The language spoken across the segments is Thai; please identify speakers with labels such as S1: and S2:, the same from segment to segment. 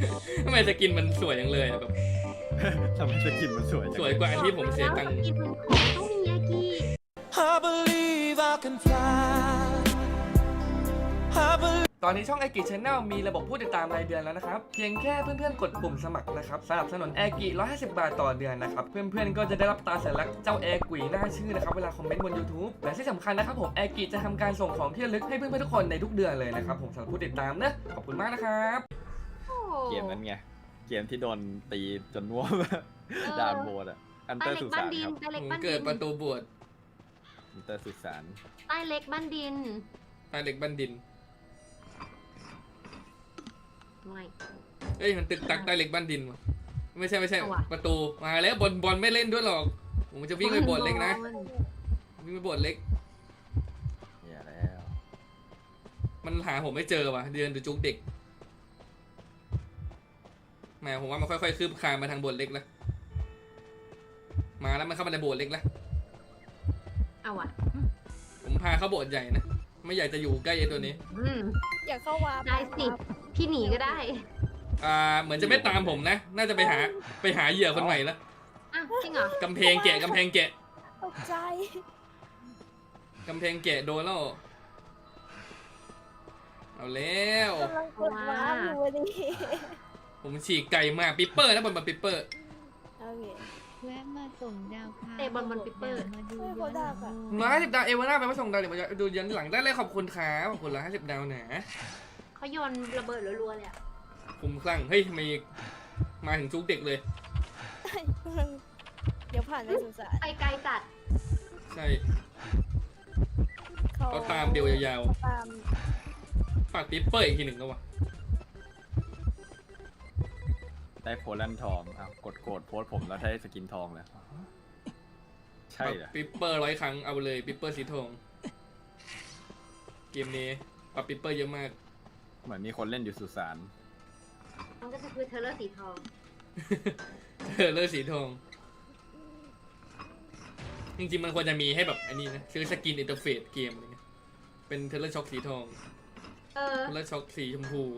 S1: ทำไมสกินมันสวยจังเลยอะแบบ
S2: ทำไมสกินมันสวยจัง
S1: สวยกว่าอันที่ผมเสียตังค์
S3: กินมันของต้องมียากิ
S4: I believe I can fly. I believe
S1: ตอนนี้ช่องแอกิชแนลมีระบบผู้ติดตามรายเดือนแล้วนะครับเพียงแค่เพื่อนๆกดปุ่มสมัครนะครับสนับสนุนแอกิ150 บาทต่อเดือนนะครับเพื่อนๆก็จะได้รับตราสัญลักษณ์เจ้าแอกุยหน้าชื่อนะครับเวลาคอมเมนต์บน YouTube และที่สำคัญนะครับผมแอกิจะทำการส่งของที่ระลึกให้เพื่อนๆทุกคนในทุกเดือนเลยนะครับผมสำหรับผู้ติดตามนะขอบคุณมากนะครับ
S3: โอ้
S2: เกมนั้นไงเกมที่โดนตีจนน่วมด่านโบดอ่ะอันเต
S3: ใต้
S2: อร์
S3: เล็ก
S2: สุ
S3: บ้า
S2: สาน น
S3: ดิน
S2: ครับ
S3: ใต้เล็ก
S1: ผม
S3: บ้านดิ
S1: เกิด
S3: น
S1: ประตูบวช
S2: อันเตอร์สุสาน
S3: ใต้เล็กบ้านดิน
S1: ใต้เหล็กบันดิน
S3: ไม่
S1: เอ้ยมันตึกตักใต้เหล็กบันดินวะไม่ใช่
S3: เอาว่ะ
S1: ประตูมาแล้วบอลไม่เล่นด้วยหรอกผมจะวิ่งไปโบสถ์เล็กนะวิ่งไปโบสถ์เล็ก
S2: เนี่ยแล้ว
S1: มันหาผมไม่เจอว่ะเดินดูจุกเด็กแหมผมว่ามันค่อยๆคืบคลานมาทางโบสถ์เล็กแล้วมาแล้วมันเข้ามาในโบสถ์เล็กแล้ว
S3: เอาว่ะ
S1: ผมพาเข้าโบสถ์ใหญ่นะไม่อยากจะอยู่ใกล้ไอ้ตัวนี้
S5: อยากเข้าวัด
S3: ได้สิพี่หนีก็ได้
S1: เหมือนจะไม่ตามผมนะ น่าจะไปหาเหยื่อคนใหม่แล้ว
S3: อ้าวจริงเหรอก
S1: ำแพงแกะกำแพงแกะ
S5: ตกใจ
S1: กำแพงแกะโดนแล้วเอาแล้ว
S5: กำลังกดว้าร์ปอยู่พอดี
S1: ผมฉีกไก่มากปิปเปอร์นะบอลปิปเปอร์
S5: โอเค
S6: แวะมาส่งดาวค่ะ
S3: เตะบอลปิปเปอร์
S6: มาดูย้อนหลัง
S1: 150 ดาวเอวาน่าไปมาส่งดาวเดี๋ยวมาดูยันหลังได้เลยขอบคุณครับขอบคุณ150 ดาวนะ
S3: เขาโยนระเบิดรัวๆเลยอะ
S1: คุ้มคลั่งเฮ้ยทำไมมาถึงจุกเด็กเลย
S5: กำลังเดี๋ยวผ่านในสุสาน
S3: ไปไกลจัด
S1: ใช่เขาตามเดียวยาว
S5: ตาม
S1: ๆฝากปิปเปอร์อีกทีหนึ่งก็วะ
S2: ได้โพลันทองอ้าวกดโกรธโพสต์ผมแล้วได้สกินทองเลยใช่เหรอ
S1: ปิปเปอร์100 ครั้งเอาเลยปิปเปอร์สีทองเกมนี้ปรับปิปเปอร์เยอะมาก
S2: เหมือนมีคนเล่นอยู่สุสาน
S3: มันก็จะคือเทเลอร์สีทอง
S1: เลือดสีทอง จริงๆมันควรจะมีให้แบบอันนี้นะซื้อสกินอินเทอร์เฟซเกมอะไรเงี้ยเป็นเทเลอร์ช็อคสีทอง
S3: เออ
S1: เทเลอร์ช็อคสีชมพู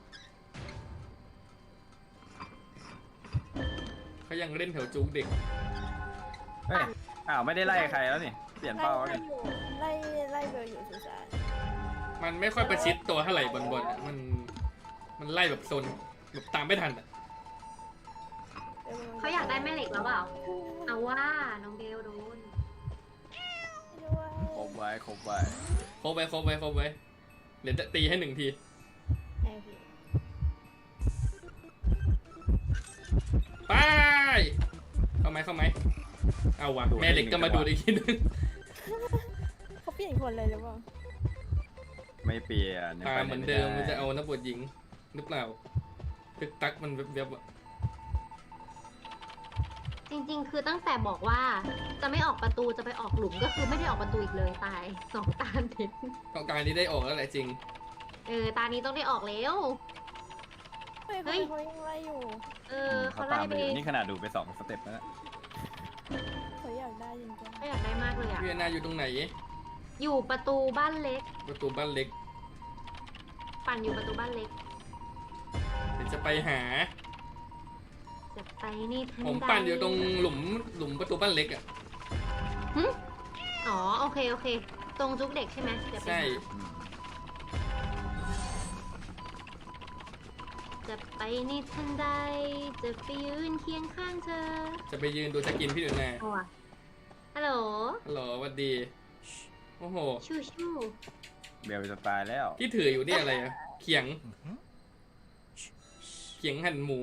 S1: เขายังเล่นแถวจุกเด็ก
S2: เฮ้ยอ้าวไม่ได้ไล่ใครแล้วนี่เปลี่ยนเป้าแล้ว
S5: ไล่
S2: นี่
S5: อยู่ไล่เบลอยู่สุสาน
S1: มันไม่ค่อยประชิดตัวเท่าไหร่บอลๆอะมันไล่แบบโซนแบบตามไม่ทันอ่ะ
S3: เขาอยากได้แม่เหล็กแล้วเปล่า เอาว่าน้องเบลโดน
S5: ด้วย
S2: ครบไว้ครบไว้
S1: ครบไว้เดี๋ยวจะตีให้1 ที
S5: โอเค
S1: ไปเข้าไหมเอาวะแม่เหล็กก็มาดูอีกทีนึง
S5: เขาเปลี่ยนคนเลยหรือเปล่า
S2: ไม่เปลี่ยนยัง
S1: ตา
S2: ไป
S1: มเหมือนเดิมมันจะเอานักบวชหญิงหรือเปล่าตึกตักมันเว็บๆอะ
S3: จริงๆ คือตั้งแต่บอกว่าจะไม่ออกประตูจะไปออกหลุมก็คือไม่ได้ออกประตูอีกเลยตาย2 ตาติด
S1: ต้องการที่ได้ออกแล้วแหละจริง
S3: ตานี้ต้องได้ออกแล้ว
S5: เฮ้ย
S3: เฮ้ย
S5: เขายังไล่อยู่
S2: เขา
S3: เขา
S2: ตา
S3: ไล่
S2: ม
S3: ไป
S2: ไปอยู่นี่ขนาดดูไป2 สเต็ปแล้วนะ
S5: เขาอยากได้จริง
S3: เขาอยากได้มากเลยอะ
S1: พี่แอนนาอยู่ตรงไหน
S3: อยู่ประตูบ้านเล็ก
S1: ประตูบ้านเล็ก
S3: ปั่นอยู่ประตูบ้านเล็ก
S1: เดี๋ยวจะไปหา
S3: จะไปนี่ทัน
S1: ผม
S3: ใด
S1: ปั่นอยู่ตรงหลุมประตูบ้านเล็กอ่ะ
S3: อ๋อโอเคตรงจุกเด็กใช่ไหมเดี๋ยวไป
S1: ใช่
S3: หา
S2: อืม
S3: จะไปนี่ทันใดจะไปยืนเคียงข้างเธอ
S1: จะไปยืนดูสกินพี่หนูนา
S3: โอ้อะฮัลโหล
S1: ฮัลโหลสวัสดีโอ้โห
S3: ชูชู
S2: เบลจะตายแล้ว
S1: ที่ถืออยู่นี่อะไรอะเขียงหั่นหมู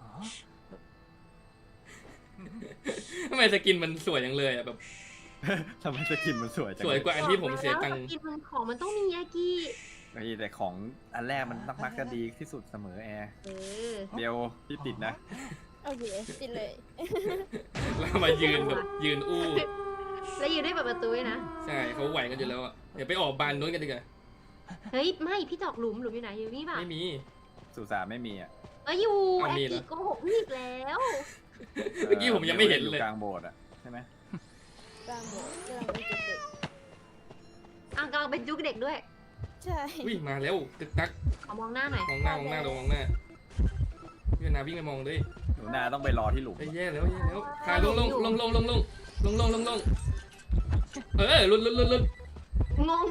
S1: ทำไมสกินมันสวยจังเลยอะแบบ
S2: ทำไมสกินมันสวยจัง
S1: สวยกว่าอันที่ผมเสียตังค์
S3: กินมันของมันต้องมียากิ
S2: เฮ้ยแต่ของอันแรกมันมักจะดีที่สุดเสมอแอร์
S3: เออ
S2: เบลพี่ติดนะ
S5: ๆโอเคปิดเลย
S1: แล้วมายืนแบบยืนอู้
S3: แล้วอยู่ได้แบบประตูด้วยนะ
S1: ใช่เขาไหวกันอยู่แล้วอะเดี๋ยวไปออกบานนู้นกันดีกว่า
S3: เฮ้ยไม่พี่จอกหลุมอยู่ไหนอยู่นี่เปล่า
S1: ไม่มี
S2: สุสานไม่มีอ่ะ
S3: อยู่
S1: เอา
S3: แอ
S1: มี
S3: ก
S1: เหรอ
S3: กี้โกหกพี่อีกแล้ว
S1: เมื่อกี้ผมยังไม่เห็นเลย
S2: อยู่กลางโบสถ์อ่ะใช่ไหม
S5: กลางโบสถ์กำลังเป็นจุดเด็ก
S3: อ่ะกำลังเป็นจุกเด็กด้วย
S5: ใช่
S1: วิ่งมาแล้วตึกตัก
S3: ขอมองหน้าหน่อย
S1: มองหน้าลงมองหน้านาวิ่งไปมองด้วย
S2: หนูนาต้องไปรอที่หลุม
S1: ไอ้แย่แล้วขาลงลุด
S3: งง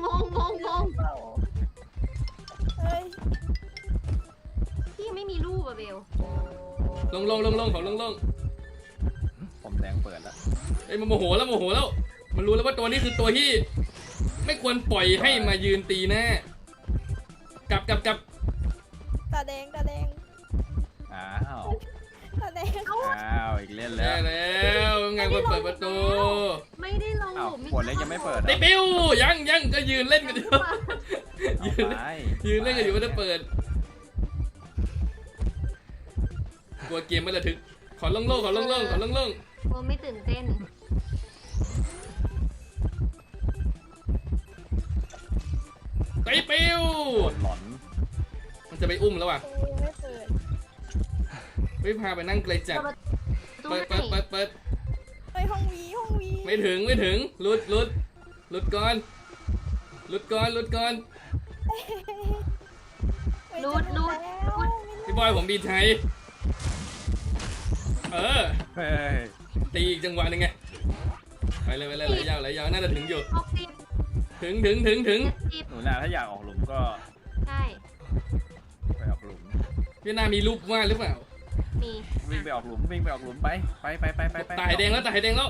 S5: เฮ้ย
S3: พี่ยังไม่มีรูปอะเบล
S1: ลงเขาลง
S2: ผมแดงเปิดแล้ว
S1: ไอ้มันโมโหแล้วมันรู้แล้วว่าตัวนี้คือตัวที่ไม่ควรปล่อยให้มายืนตีหน้ากลับ
S5: ตาแดง
S2: อ้าว
S5: ตาแดง
S2: อ้าวอีกเล่นแล้
S1: แย่
S2: ว
S1: แล้วไงคนเปิดประตู
S3: ไม่ได้ลงห
S2: อ้าว
S3: ลุม
S2: ขวดเล็กยังไม่เปิด
S1: ไอ้ปิวยังก็ยืนเล่นกันอยู่ ยืนเล่นกันอยู่ไม่ได้เปิดกลัวเกมไม่ระทึกขอลง
S3: โอ้ไม่ตื่นเต้น
S1: ไอ้ปิว
S2: หลอน
S1: มันจะไปอุ้มแล้วว่ะ
S5: กูยังไม่เปิด
S1: ไม่พาไปนั่งไกลจัด
S3: ตัว
S1: เปิด
S3: ไหน
S5: เฮ้ยห้องวี
S1: ไม่ถึงหลุดก่อน
S5: เฮ้ย
S3: รูด
S1: พี่บอยผมบีไทย
S2: เฮ้ย
S1: ตีอีกจังหวะหนึงไงไปเลยไหลยาวน่าจะถึงอยู่
S3: 60
S1: ถึง
S3: 70
S2: หนูนาถ้าอยากออกหลุมก็
S3: ใช่
S2: ไปออกหลุม
S1: พี่นามีรูปวาดหรือเปล่า
S3: มี
S2: วิ่งไปออกหลุมไป
S1: ตายแดงแล้ว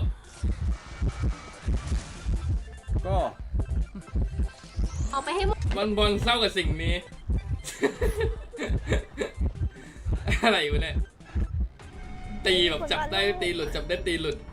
S2: ก็
S3: ออกไปให้หมด
S1: บอลเศร้ากับสิ่งนี้ อะไรวะเนี่ยตีแบบจับได้ตีหลุดจับได้ตีหลุด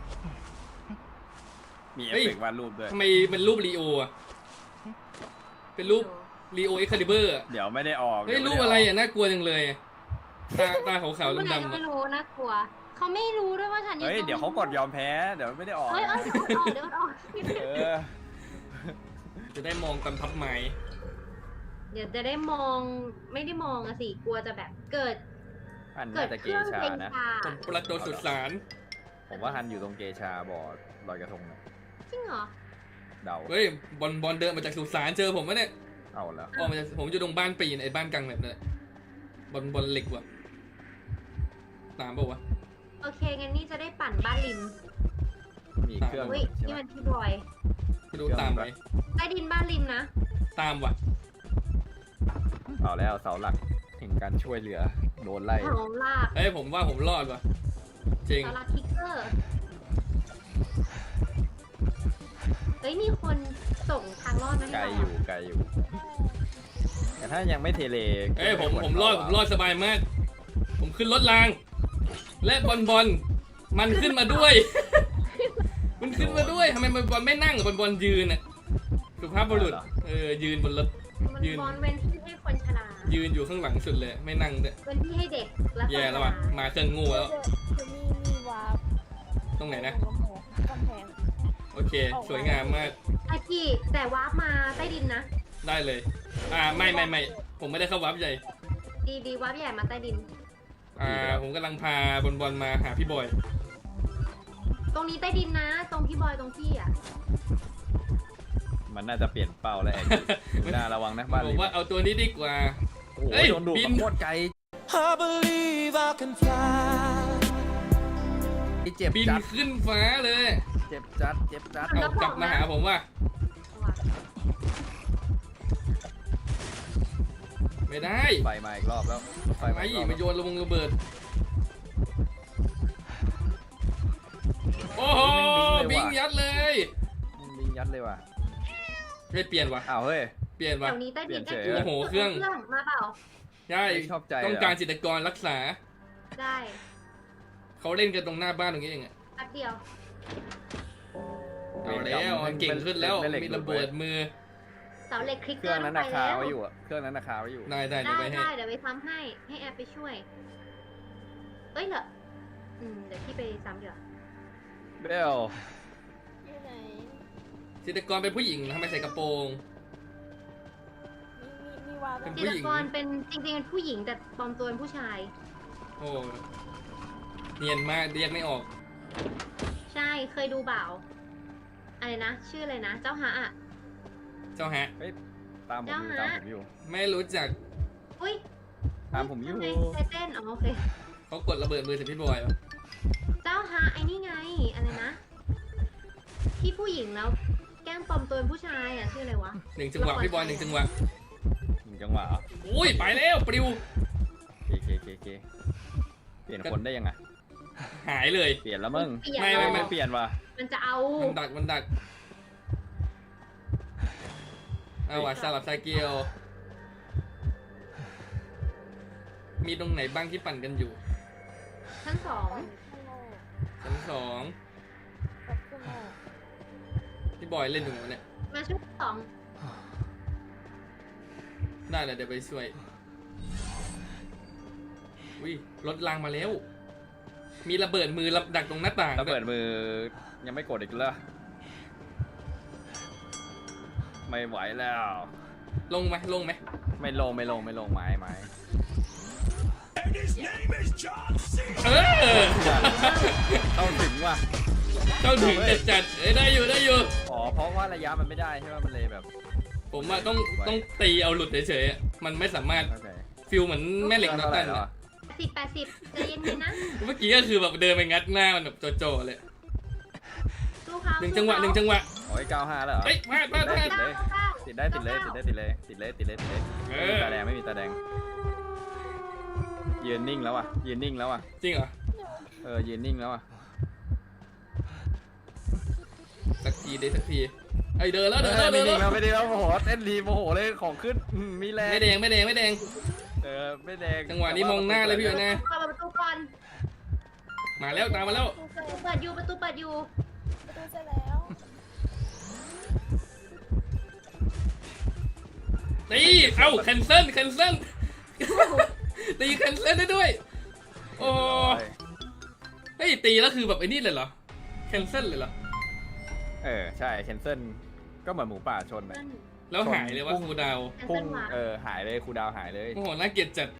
S2: มีเอฟ
S1: เฮ้ย
S2: เฟกต์วาดรูปด้วย
S1: ทำไมเป็นรูปลีโออะเป็นรูปลีโอเอ็กคาลิเบอร์อะ
S2: เดี๋ยวไม่ได้ออก
S1: เฮ้ยรูปอะไรอะน่ากลัวจังเลยอะตาขาวๆ
S3: ไม่
S1: ดำๆอะ
S3: รู้น่ากลัวเขาไม่รู้ด้วยว่าฉัน
S2: เฮ้ยเดี๋ยวเขากดยอมแพ้เดี๋ยวไม่ได้ออก
S3: เฮ้ยเดี๋ยวออก
S2: เออ
S1: จะได้มองตามพับไม้
S3: เดี๋ยวจะได้มองไม่ได้มองอะสิกลัวจะแบบเกิด
S2: ฮัน
S3: เกิ
S2: น่า
S3: ด
S2: จะ
S3: เค
S2: เก
S3: รื่อง
S2: ชา
S3: เป็น
S2: นะ
S3: ชา
S1: ผมประตูสุดสาร
S2: ผมว่าฮันอยู่ตรงเกชาบ่อลอยกระทงนะ
S3: จริงเหรอ
S2: เดา
S1: เฮ้ยบอลเดินมาจากสุสานเจอผมวะเนี่ย
S2: เอาแล้ว
S1: ออกมาจากผมอยู่ตรงบ้านปีนไอ้บ้านกลางแบบนั่นแหละบอลเหล็กว่ะตามเปล่าวะ
S3: โอเคงั้นนี่จะได้ปั่นบ้านริม
S2: มีเครื่อง
S3: อุ้ย
S2: ใช่
S3: นี่
S2: ไหม
S3: มันพี่บอย
S1: ไม่รู้ตามไหม
S3: ใต้ดินบ้านริมนะ
S1: ตามว่ะ
S2: เอาแล้วเสาหลักแห่งการช่วยเหลือโดนไล่
S3: ถล่มลาก
S1: เอ้ยผมว่าผมรอดว่ะจริง
S3: สาราคิกเกอร์เฮ้ยมีคนส่งทางรอดมาให้
S2: ไกล
S3: เรา
S2: อยู่ไกลอยู่ แต่ถ้ายังไม่เทเล
S1: เอ้ยผมรอดสบายมาก ผมขึ้นรถราง และบอลมันขึ้นมาด้วย มันขึ้นมาด้วยทำไมบอลไม่นั่งบอลยืนอ่ะสุภาพบุรุษยืนบนรถ
S3: มัน
S1: ยืน
S3: บอลเว้นที่ให้คนชรา
S1: ยืนอยู่ข้างหลังสุดเลยไม่นั่งด้วย
S3: เว้นที่ให้เด็กและคน
S1: แย่
S3: ช
S1: แล้ว
S3: รา
S1: ว่ะมาเครื่องงูแล้ว
S5: จะมีวาร์ป
S1: ตรงไหนนะ
S5: กำแพง
S1: โอเค สวยงามมาก
S3: อากิแต่วาร์ปมาใต้ดินนะ
S1: ได้เลยไม่ผมไม่ได้เข้าวับใหญ่
S3: ดีวาร์ปใหญ่มาใต้ดิน
S1: ผมกำลังพาบอลมาหาพี่บอย
S3: ตรงนี้ใต้ดินนะ ตรงพี่บอยตรงพี่อ่ะ
S2: มันน่าจะเปลี่ยนเป้าแล้วแองน่าระวังนะบ้าน
S1: ผ
S2: ริ
S1: ม
S2: ม
S1: ว่าเอาตัวนี้ดีกว่า
S2: โอ้โห
S1: เฮ้ย
S2: โดนดูด
S1: บิน
S2: มาโคตรไกล
S4: I believe I can fly.
S2: เจ็บ
S1: บิน
S2: จัด
S1: ขึ้นฟ้าเลย
S2: เจ็บจัด
S1: เอากลับมาหาผมว่า ไม่ได้
S2: ไฟมาอีกรอบแล้วไฟมา
S1: ไอ้
S2: อีกรอบ
S1: มาโยนระเบิด โอ้โหบิงยัดเลย
S2: บิงยัดเลยว่ะ
S1: ไม่เปลี่ยนว่ะ
S2: อ้าวเฮ้ย
S1: เปลี่ยน
S3: แถ
S1: ว่ะ
S3: วนี้ใต้ดิน
S2: เปลี่ยนเฉย
S1: โอ้โหเครื่อง
S3: มาเปล่า
S1: ใช่
S2: ไม่ชอบใจ
S1: ต้องการจิตรกรรักษา
S3: ได้
S1: เขาเล่นกันตรงหน้าบ้านตรงนี้เองอะ
S3: แป๊บเดียว
S1: เอาแล้วเก่งขึ้นแล้วมีระเบิดมือ
S3: เสาเหล็กคลิก
S2: เค
S3: เกอ
S2: รื่อง
S3: ร์
S2: นั้นราคาไว้อยู่อะเครื่องนั้นราคาไว้อยู่
S1: ได้
S3: ได้
S1: เดี๋ยวไปให้
S3: เดี๋ยวไปซ้ำให้ให้แอร์ไปช่วย เอ้ยเหรอเดี๋ยวพี่ไปซ้ำเดี๋ยว
S2: เบล
S5: อยู่ไหน
S1: จิตรกรเป็นผู้หญิงทำไมใส่กระโปรง
S5: มีวาร์ป
S1: เป็น
S3: จิ
S1: ผู้
S3: ต
S1: หญิง
S3: รกรเป็นจริงๆเป็นผู้หญิงแต่ปลอมตัวเป็นผู้ชาย
S1: โอ้เนียนมากเรียกไม่ออก
S3: ใช่เคยดูเปล่าอะไรนะ ชื่ออะไรนะ เจ้าฮะอ่ะ
S1: เจ้าฮะ
S2: ตามผมอยู่
S3: เจ้าฮะ
S2: ตามผมอยู่
S1: ไม่รู้จัก
S3: อุ้ย
S2: ตามผมอยู่
S3: ทำไใจเต้นอ๋อโอเค
S1: เขาเขากดระเบิดมือใส่พี่บอยวะ
S3: เจ้าฮะไอ้นี่ไงอะไรนะที่ผู้หญิงแล้วแกล้งปลอมตัวเป็นผู้ชายอ่ะชื่ออะไรวะ
S1: หนึ่งจังหวะพี่บอยหนึ่งจังหวะ
S2: 1 จังหวะเหรอ
S1: อุ้ยไปแล้วปลิว
S2: เคเปลี่ยนคนได้ยังไง
S1: หายเลย
S2: เปลี่ยนแล้วมึง
S3: เปลี่ยน
S1: ไม่
S2: เปลี่ยนว่ะ
S3: มันจะเอา
S1: มันดักเอาว่ะสลับไซเกียวมีตรงไหนบ้างที่ปั่นกันอยู่
S3: ทั้งสอง
S1: ชั้นสอง
S5: กับคุณหมอ
S1: พี่บอยเล่นอยู่ไหนวะเนี่ย
S3: มาชุดสอง
S1: ได้เลยเดี๋ยวไปช่วยอุ้ยรถรางมาแล้ว มีระเบิดมือดักตรงหน้าต่าง
S2: ระเบิดมือยังไม่กดอีกเลยไม่ไหวแล้ว
S1: ลงไหม
S2: ไม่ลงไม้
S1: เออ
S2: ต้องถึงว่ะ
S1: เข้าถึงจัดได้อยู่
S2: อ๋อเพราะว่าระยะมันไม่ได้ใช่ไหมมันเลยแบบ
S1: ผมว่าต้องตีเอาหลุดเฉยๆอะมันไม่สามารถ
S2: เข้าใจ
S1: ฟิลเหมือนแม่เหล็กน็อตตัน
S2: แล้ว
S1: อะ
S3: 80ใจเย็นๆนะ
S1: เมื่อกี้ก็คือแบบเดินไปงัดหน้ามันแบบโจๆเลย
S3: สู้เขา
S1: หนึ่งจังหวะ
S2: โอ้ย95แล้วเหรอ
S1: เฮ้ยมา
S3: เก้าเก้า
S2: ติดเลยตาแดงไม่มีตาแดงยืนนิ่งแล้วอ่ะ
S1: จริงเหรอ
S2: ยืนนิ่งแล้วอ่ะ
S1: สักทีไอยเดินแล้ว
S2: ไม่นิ่งแล้วโมโหเต้นรีโมโหเลยของขึ้นมีแรง
S1: ไม่แดง
S2: ไม่แดง
S1: จังหวะนี้มองหน้าเลยพี่นะ
S3: เปิดประตูก่อน
S1: มาแล้วตามมาแล้ว
S3: ประตูเปิดอยู่ประตูเปิดอยู่
S5: ประตูเสร็จแล้ว
S1: ตีเอ้าแคนเซิลตีแคนเซิลได้ด้วยโอ้เฮ้ยตีแล้วคือแบบไอ้นี่เลยเหรอแคนเซิลเลยเหรอ
S2: ใช่แคนเซิลก็เหมือนหมูป่าชนไป
S1: แล้วหายเลยว่าครูดาว
S2: พุ่งหายเลยครูดาวหายเลย
S1: โอ้โหน่าเกลียดจัด